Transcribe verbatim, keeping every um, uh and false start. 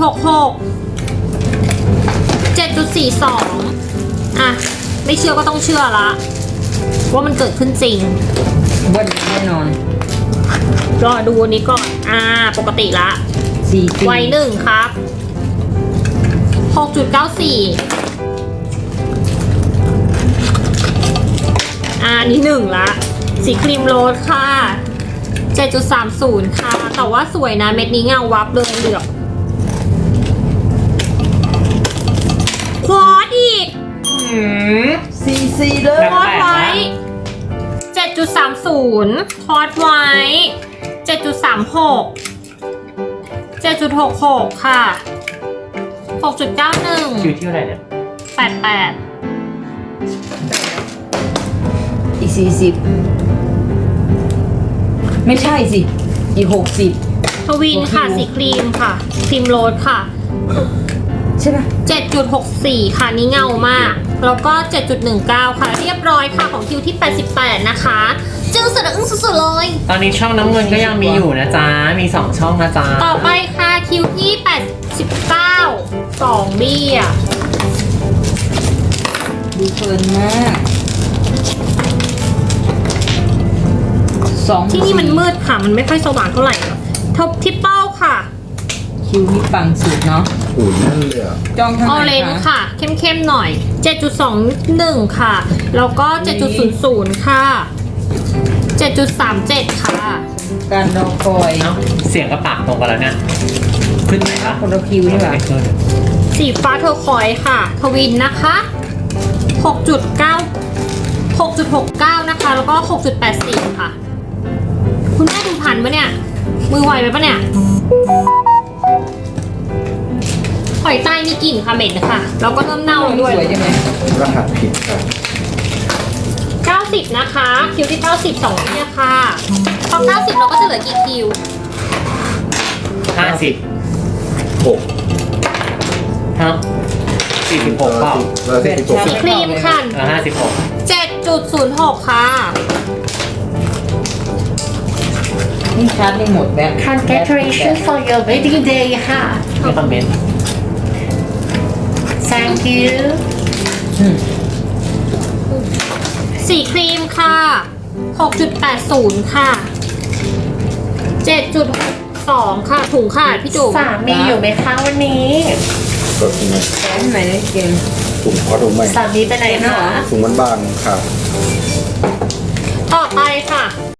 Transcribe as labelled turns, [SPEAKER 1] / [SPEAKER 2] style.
[SPEAKER 1] หกหก เจ็ดจุดสี่สอง อ่ะไม่เชื่อก็ต้องเชื่อละว่ามันเกิดขึ้นจริง
[SPEAKER 2] เบิ้ลแน่นอน
[SPEAKER 1] รอดูอันนี้ก่อน อ่า ปกติละ
[SPEAKER 2] สี่สี่
[SPEAKER 1] ไวหนึ่งครับ หกจุดเก้าสี่ อ่าอันนี้หนึ่งละ สีครีมโรสค่ะ เจ็ดจุดสามศูนย์ ค่ะ แต่ว่าสวยนะเม็ดนี้เงาวับเลยเหลือบควอดอีก
[SPEAKER 3] หืม
[SPEAKER 2] สี่สี่เลย
[SPEAKER 3] แบบ
[SPEAKER 1] คอร์สไว้ เจ็ดจุดสามศูนย์ คอร์สไว้ เจ็ดจุดสามหก เจ็ดจุดหกหก ค่ะ หกจุดเก้าหนึ่ง
[SPEAKER 3] คิวที่เท่าไหร่เนี่ย
[SPEAKER 1] แปดแปด
[SPEAKER 2] อีกสี่สิบไม่ใช่สิ อีกหกสิบ
[SPEAKER 1] ทวินค่ะ สีครีมค่ะ ครีมโรสค่ะ
[SPEAKER 2] ใช่ปะ
[SPEAKER 1] เจ็ดจุดหกสี่ ค่ะนี่เงามาก แล้วก็ เจ็ดจุดหนึ่งเก้า ค่ะ เรียบร้อยค่ะของคิวที่แปดสิบแปดนะคะจึงสุดอึ้งสุดๆเลย
[SPEAKER 3] ตอนนี้ช่องน้ำเงินก็ยังมีอยู่นะจ๊ะ มีสองช่องนะจ๊ะ
[SPEAKER 1] ต่อไปค่ะคิวที่แปดสิบเก้า สองบี้อ่ะ
[SPEAKER 2] ดูเพลินมากสอง
[SPEAKER 1] ที่นี่มันมืดค่ะ มันไม่ค่อยสว่างเท่าไหร่ทบทิปเปิลค่ะ
[SPEAKER 2] คิวนี่ปังสุดเนาะ
[SPEAKER 4] โอ้ยนั่นเลยอ่ะ
[SPEAKER 2] จ้องเท่า
[SPEAKER 1] ออ
[SPEAKER 2] ไห
[SPEAKER 1] เร
[SPEAKER 2] ร่
[SPEAKER 1] นจ์
[SPEAKER 2] คะ
[SPEAKER 1] ค่ะ เข้มๆหน่อย เจ็ดจุดสองหนึ่ง ค่ะ แล้วก็ เจ็ดจุดศูนย์ศูนย์ ค่ะ เจ็ดจุดสามเจ็ด ค่ะ
[SPEAKER 2] การรอคอย
[SPEAKER 3] เอ้าเสียงกับปากตรงกันแล้วเนี่ย ขึ้นไหนปะ
[SPEAKER 2] คนละคิวนี่หว่า
[SPEAKER 3] ไม่ขึ้น
[SPEAKER 1] สีฟ้าเทอร์คอยส์ค่ะ ทวินนะคะ หกจุดเก้า หกจุดหกเก้า นะคะ แล้วก็ หกจุดแปดสี่ ค่ะ คุณแม่ดูทันปะเนี่ย มือไวไปปะเนี่ยหอยใต้มีกลิ่นค่ะเหม็นค่ะ แล้วก็เริ่มเน่าแล้วด้วย
[SPEAKER 2] สวยจังเลย
[SPEAKER 4] รหัสผิดครับ
[SPEAKER 1] เก้าสิบ นะคะ คิวที่เก้าสิบ สองที่เนี่ยค่ะพอเก้าสิบเราก็จะเหลือกี่คิว
[SPEAKER 3] ห้าสิบ
[SPEAKER 4] หก
[SPEAKER 3] ฮะสี่สิบหกเปล่า
[SPEAKER 4] แล้วที่หก
[SPEAKER 1] สีครีมค่ะ
[SPEAKER 3] เออห้าสิบหก
[SPEAKER 1] เจ็ดจุดศูนย์หก ค่ะ
[SPEAKER 2] นี่ชาร์จไม่หมดแบบ
[SPEAKER 3] Congratulations for your wedding day ค่ะไม่คอมเมนต์ Thank you
[SPEAKER 2] อืม
[SPEAKER 1] สีครีมค่ะ หกจุดแปดศูนย์ ค่ะ เจ็ดจุดสอง ค่ะ ถุงค่ะพี่จุ๋ม
[SPEAKER 3] สามีอยู่ไหมคะวันนี้
[SPEAKER 4] กดยังไง
[SPEAKER 2] แขนไหนเกม
[SPEAKER 4] ถุงขอถุงใหม่
[SPEAKER 3] สามีไปไหนคะ
[SPEAKER 4] ถุงมันบางครับ
[SPEAKER 1] ต่อไปค่ะ